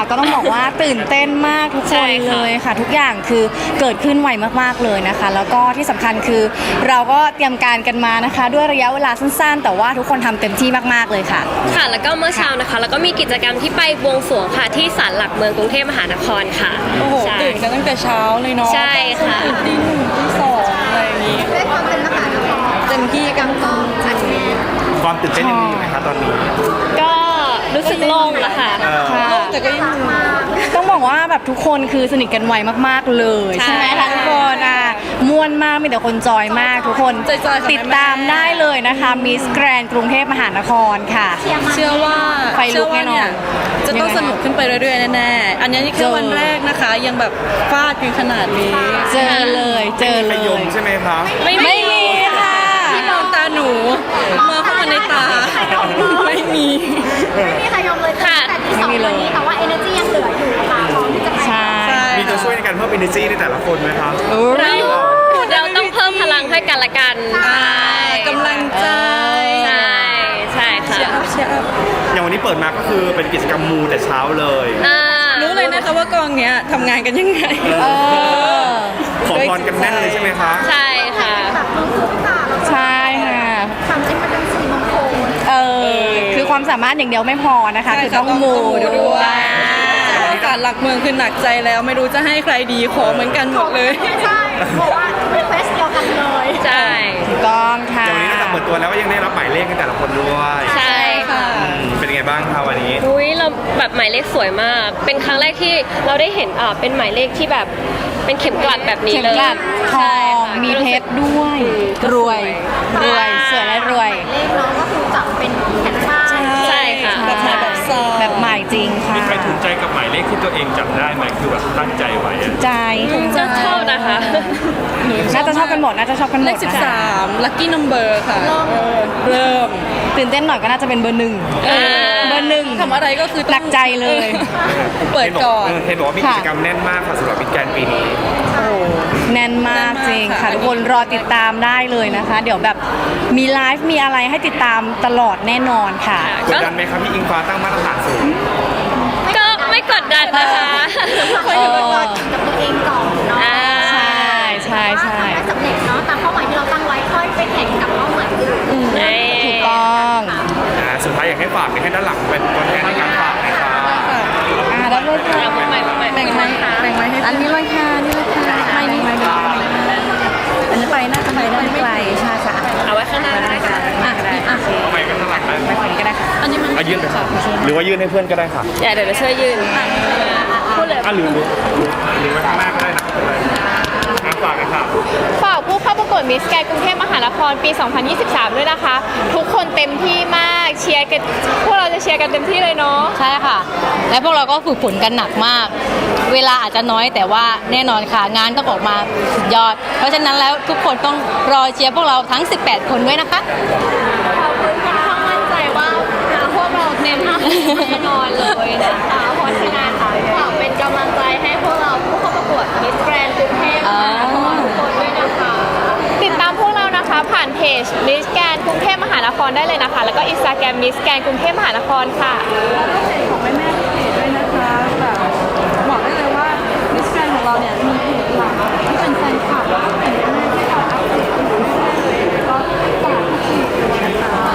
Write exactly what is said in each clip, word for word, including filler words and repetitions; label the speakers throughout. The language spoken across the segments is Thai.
Speaker 1: ก็ต้องบอกว่าตื่นเต้นมากทุกคนเลยค่ะทุกอย่างคือเกิดขึ้นไวมากๆเลยนะคะแล้วก็ที่สำคัญคือเราก็เตรียมการกันมานะคะด้วยระยะเวลาสั้นๆแต่ว่าทุกคนทำเต็มที่มากๆเลยค่ะ
Speaker 2: ค่ะแล้วก็เมื่อเช้านะคะแล้วก็มีกิจกรรมที่ไปบวงสรวงค่ะที่ศาลหลักเมืองกรุงเทพมหานครค่ะ
Speaker 3: โอ้โหตื่นกันตั้งแต่เช้าเลยเนาะ
Speaker 2: ใช่ค่ะ
Speaker 3: ตื่นตีหนึ่งตีสองอะไรอย่างงี้
Speaker 4: ด้วยความเป็นมหานคร
Speaker 3: เต็มที่กัน
Speaker 4: ก็อัดแน่น
Speaker 5: ความตื่นเต้นยังมีอยู่ไหมคะตอนนี้
Speaker 2: ก็รู้สึกโล่งแล้วค่ะ
Speaker 3: แต่ก็ยัง
Speaker 1: ต้องบอกว่าแบบทุกคนคือสนิทกันไวมากๆเลยใช่ไหมคะทุกคนอ่ะม่วนมากมีแต่คนจอยมากทุกคนติดตามได้เลยนะคะมิสแกรนกรุงเทพมหานครค่ะ
Speaker 3: เชื่อว่า
Speaker 1: ไฟลุกแน่นอน
Speaker 3: จะต้องสนุกขึ้นไปเรื่อยๆแน่ๆอันนี้นี่แค่วันแรกนะคะยังแบบฟาดกันขนาดนี้
Speaker 1: เจอเลยเจอเลย
Speaker 5: ใช่ไหมคะ
Speaker 1: ไม่ไม่มีค่ะ
Speaker 3: ที่มองตาหนูมาเข้ามาในตาไม่มี
Speaker 4: ไม่มีใครยอมเลยค่ะแต่ที่สองวันนี้แต่ว่า energy ยังเหลืออยู่ค่ะพร้อมที่จะไป
Speaker 1: ใช่
Speaker 5: มีตัวช่วยในการเพิ่ม energy ในแต่ละคนไหมคะ
Speaker 2: เราเราต้องเพิ่มพลังให้กันละกัน
Speaker 3: กำลังใจ
Speaker 2: ใช่ใช่ค่ะ
Speaker 5: อย่างวันนี้เปิดมาก็คือเป็นกิจกรรมมูแต่เช้าเลย
Speaker 3: รู้เลยนะคะว่ากองเนี้ยทำงานกันยังไง
Speaker 5: ขอพรกันแน่นเลยใช่ไหมคะ
Speaker 2: ใช่ค่ะ
Speaker 1: ใช่ค่ะ
Speaker 4: ทำให้มันเป็นสีมงคล
Speaker 1: เออคือความสามารถอย่างเดียวไม่พอนะคะคือต้องมูด้วย
Speaker 3: การหลักเมืองคือหนักใจแล้วไม่รู้จะให้ใครดีขอเหมือนกันหมดเลย
Speaker 4: ใช่เพราะว่าเป็นเควสเดียวกันเลย
Speaker 2: ใช่
Speaker 1: ถูกต้องค่ะ
Speaker 5: วันนี้นอกจากเปิดตัวแล้วก็ยังได้รับหมายเลขกันแต่ละคนด้วย
Speaker 2: ใช่ค่ะ
Speaker 5: เป็นไงบ้างคะวันนี้
Speaker 2: อุ้ยเราแบบหมายเลขสวยมากเป็นครั้งแรกที่เราได้เห็นอ่าเป็นหมายเลขที่แบบเป็นเข็มกลัดแบบนี้เลย
Speaker 1: เข็มกลัดทองมีเพชรด้วยรวยรวยสวยและรวย
Speaker 4: เลขน้องก็คือจับเป็นแผ่นป้าย
Speaker 2: ใช่ค่ะ
Speaker 3: แบบใหม่แบบซอง
Speaker 1: แบบใหม่จริงค่ะ
Speaker 5: มีใครถูกใจกับหมายเลขที่ตัวเองจำได้ไหมคือแบบตั้งใจไว้
Speaker 1: ใจ
Speaker 2: จะชอบนะคะ
Speaker 1: น่าจะชอบกันหมดน่าจะชอบกันหมด
Speaker 3: เลขสิบสามลัคกี้นัมเบอร์ค่ะเริ่ม
Speaker 1: ตื่นเต้นหน่อยก็น่าจะเป็นเบอร์หนึ่งเบอร์หนึ่ง
Speaker 3: ทำอะไรก็คือ
Speaker 1: หนักใจเลย
Speaker 3: เปิดก่อน
Speaker 5: เห็นบอกว่ามีกิจกรรมแน่นมากค่ะสำหรับมิสแกรนด์ปีนี้
Speaker 1: แน่นมากจริงค่ะทุกคนรอติดตามได้เลยนะคะเดี๋ยวแบบมีไลฟ์มีอะไรให้ติดตามตลอดแน่นอนค่ะ
Speaker 5: กดดันไหมครับพี่อิงฟ้าตั้งมาตรฐานสูง
Speaker 2: ก็ไม่กดดันนะคะ
Speaker 4: คอยดูกับตัวเองก่อนเนาะ
Speaker 1: ใช่ใช่ใช่
Speaker 4: สำเร็จเนาะตามเป้าหมายที่เราตั้งไว้ค่อยไปแข่งกับเป้าหมายอื่น
Speaker 1: ถูกต้อง
Speaker 5: สุดท้ายอยากให้ฝากให้ด้านหลังเป็นตัวแทนในการฝากนะครับ
Speaker 1: อ่าได้เลยค่ะแบ่งไว้แบ่งไว้แบ่งไว้ให้อันนี้เลยค่ะนี่เลยค่ะไม่นี่ไม่ได้อันนี้ไปน่าจะไปได้ไม่ไกลใช่ค่ะ
Speaker 2: เอาไว้ข้างหน้าได้ค่ะ
Speaker 1: อ่ะอ่ะ
Speaker 5: เอาไปกันข้างหลังได้
Speaker 1: ไปฝั่งนี้ก็ได้ค่ะ
Speaker 3: อันนี้มัน
Speaker 5: ยื่นไปค่ะหรือว่ายื่นให้เพื่อนก็ได้ค่ะ
Speaker 2: เดี๋ยวจะช่วยยื่น
Speaker 5: พูดเลยอ่ะหรือหรือหรือไว้ข้างหน้าก็ได้นะฝากกันค่ะ
Speaker 6: ฝากผู้เข้าประกวดมิสแกรนด์กรุงเทพมหานครปี สองพันยี่สิบสาม ด้วยนะคะ ทุกคนเต็มที่มากเชียร์กันพวกเราจะเชียร์กันเต็มที่เลยเนาะ
Speaker 1: ใช่ค่ะและพวกเราก็ฝึกฝนกันหนักมากเวลาอาจจะน้อยแต่ว่าแน่นอนค่ะงานต้องออกมาสุดยอดเพราะฉะนั้นแล้วทุกคนต้องรอเชียร์พวกเราทั้งสิบแปดคนด้วยนะคะ
Speaker 6: ขอบคุณค่อนข้างมั่นใจว่าพวกเราเต็มที่แน่นอนเลยนะคะเพราะฉะนั้นฝากเป็นกำลังใจให้พวกเราผู้เข้าประกวดมิสแกรนด์กรุงเทพมหานครทุกคนด้วยนะคะติดตามพวกเรานะคะผ่านเพจมิสแกรนด์กรุงเทพมหานครได้เลยนะคะแล้วก็อินสตาแกรมมิสแกรนด์กรุงเทพมหานครค่ะ
Speaker 3: ของแม่แม่เพจด้วยนะคะแบบบอกได้เลยว่ามิสแกรนด์ของเราเนี่ยมีเพจหลักที่เป็นแฟนคลับแล้วก็เป็นแม่ที่เราอัปเดตกันอยู่เรื่อยๆเลยแล้วก็ฝากทุกทีด้วยนะคะ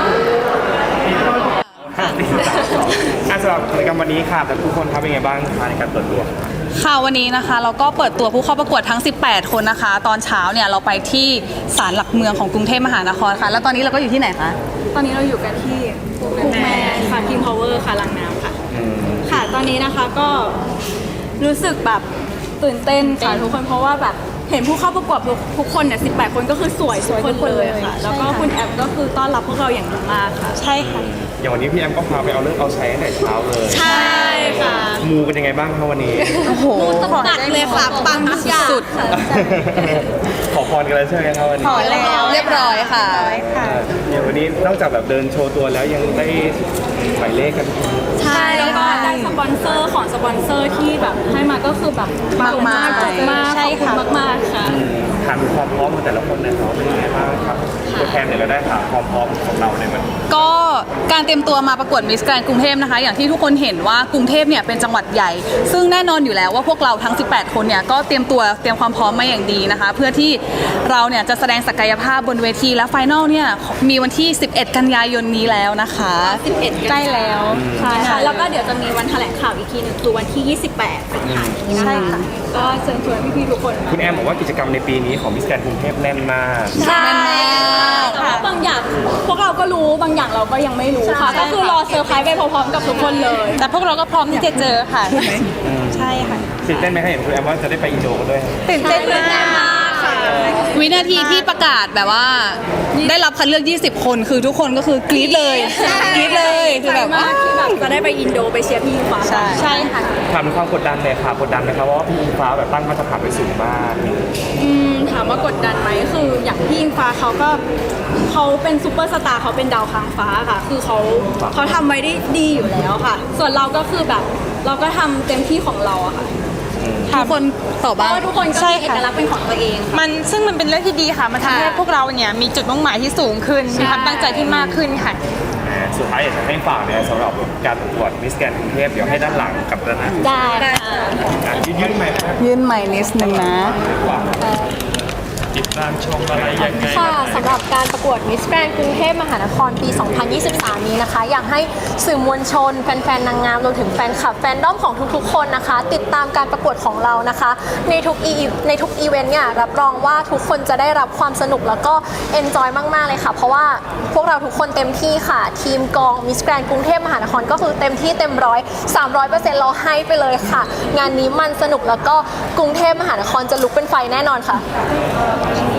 Speaker 5: สำหรับกิจกรรมวันนี้ค่ะแต่ทุกคนครับเป็นไงบ้างในการเปิดตัว
Speaker 3: ค่ะวันนี้นะคะเราก็เปิดตัวผู้เข้าประกวดทั้งสิบแปดคนนะคะตอนเช้าเนี่ยเราไปที่ศาลหลักเมืองของกรุงเทพมหานครค่ะแล้วตอนนี้เราก็อยู่ที่ไหนคะ
Speaker 7: ตอนนี้เราอยู่กันที่คุกแม่ค่ะทีมพาวเวอร์ค่ะลังน้ำค่ะค่ะตอนนี้นะคะก็รู้สึกแบบตื่นเต้นค่ะทุกคนเพราะว่าแบบเห็นผู้เข้าประกวดทุกคนเนี่ยสิบแปดคนก็คือสวยทุกคนเลยค่ะแล้วก็คุณแอมก็คือต้อนรับพวกเราอย่างดีมากค่ะ
Speaker 3: ใช่ค่ะ
Speaker 5: อย่างวันนี้พี่แอมก็พาไปเอาเลิกเอาใช้ตั้งแต่เช้าเลย
Speaker 7: ใช่ค่ะ
Speaker 5: มูเป็นยังไงบ้างคะวันนี้
Speaker 3: โอ้โห
Speaker 7: หนักเลยค่ะปัง
Speaker 3: สุด
Speaker 5: ขอพรกันแล้วใช่ไหมครับวันนี้
Speaker 3: ขอแล้วเรียบร้อยค่ะ
Speaker 5: อย่างวันนี้นอกจากแบบเดินโชว์ตัวแล้วยังได้หมายเลขกัน
Speaker 7: ใช่แล้วก็ได้สปอนเซอร์ของสปอนเซอร์ที่แบบให้มาก็คือแบบ
Speaker 3: มากมาก
Speaker 7: มากขอบคุณมากๆค่ะ
Speaker 5: ถามถึงความพร้อมของแต่ละคนนะครับเป็นยังไงบ้างครับ
Speaker 7: ค่ะ
Speaker 5: ตัวแทนเนี่ยเราได้ถามความพร้อมของเราในวันนี้
Speaker 7: ก็การเตรียมตัวมาประกวดมิสแกรนกรุงเทพนะคะ อย่างที่ทุกคนเห็นว่ากรุงเทพเนี่ยเป็นจังหวัดใหญ่ ซึ่งแน่นอนอยู่แล้วว่าพวกเราทั้งสิบแปดคนเนี่ยก็เตรียมตัวเตรียมความพร้อมมาอย่างดีนะคะ เพื่อที่เราเนี่ยจะแสดงศักยภาพบนเวทีและไฟนอลเนี่ยมีวันที่สิบเอ็ดกันยายนนี้แล้วนะคะสิบเอ็ดใกล้แล้วใช่ค่ะแล้วก็เดี๋ยวจะมีวันแถลงข่าวอีกทีหนึงคือวันที่ยี่สิบแปดสิงหาคมใช่ค่ะก็เชิญชวนพี่ๆทุกคนมา
Speaker 5: คุณแอมบอกว่ากิจกรรมในปีนี้ของมิสแกรนกรุงเทพแน่นมาก
Speaker 7: ใช่แต่ว่าบางอย่างพวกเราก็รู้บางอย่างเราก็ยังไม่รู้ค่ะก็คือรอเซอร์ไพรส์ไปพร้อมๆกับทุกคนเลย แต่พวกเราก็พร้อมที่จะเจอค่ะใช่ค่ะ
Speaker 5: ตื่นเต้นไหมคะเห็นคุณแอมว่าจะได้ไปอินโดด้วย
Speaker 7: ตื่นเต้นมากค่ะวินาทีที่ประกาศแบบว่าได้รับคัดเลือกยี่สิบคนคือทุกคนก็คือกรี๊ดเลยกรี๊ดเลยคือแบบว่าที่แบบจะได้ไปอินโดไปเชียร์พี่อิงฟ้าใช่ค่ะ
Speaker 5: ถามถึงความกดดันเลยค่ะกดดันไหมครับเพราะว่าพี่อิงฟ้าแบบตั้งมาตรฐานไว้สูงมาก
Speaker 7: อืมถามว่ากดดันไหมคืออย่างพี่อิงฟ้าเขาก็เขาเป็นซูเปอร์สตาร์เขาเป็นดาวค้างฟ้าค่ะ คือเขาเขาทำไว้ได้ดีอยู่แล้วค่ะ ส่วนเราก็คือแบบเราก็ทำเต็มที่ของเราอะค่ะทุกคนตอบบ้างเพราะว่าทุกคนก็มีเอกลักษณ์เป็นของตัวเองค่ะ
Speaker 8: มันซึ่งมันเป็นเรื่องที่ดีค่ะ มันทำให้พวกเราเนี่ยมีจุดมุ่งหมายที่สูงขึ้น มีความตั้งใจที่มากขึ้นค่ะ
Speaker 5: สุดท้ายอยากจะให้ฝากเนี่ยสำหรับการประกวดมิสแกรนกรุงเทพเดี๋ยวให้ด้านหลังกับด้านหน้า
Speaker 6: ได้ค่ะ
Speaker 5: อ่ะยื่นใหม่นะครับ
Speaker 7: ยื่นใหม่นิดนึงนะ
Speaker 5: ติดตามชมอะไรยังไง
Speaker 6: ค่ะสำหรับการประกวด Miss Grand กรุงเทพมหานครปี สองพันยี่สิบสาม นี้นะคะ อยากให้สื่อมวลชน แฟนๆ นางงามรวมถึงแฟนคลับแฟนด้อมของทุกๆ คนนะคะ ติดตามการประกวดของเรานะคะ ในทุกอีในทุกอีเวนต์เนี่ยรับรองว่าทุกคนจะได้รับความสนุกแล้วก็เอนจอยมากๆเลยค่ะ เพราะว่าพวกเราทุกคนเต็มที่ค่ะ ทีมกอง Miss Grand กรุงเทพมหานครก็คือเต็มที่เต็มร้อยสามร้อยเปอร์เซ็นต์เราให้ไปเลยค่ะ งานนี้มันสนุกแล้วก็กรุงเทพมหานครจะลุกเป็นไฟแน่นอนค่ะ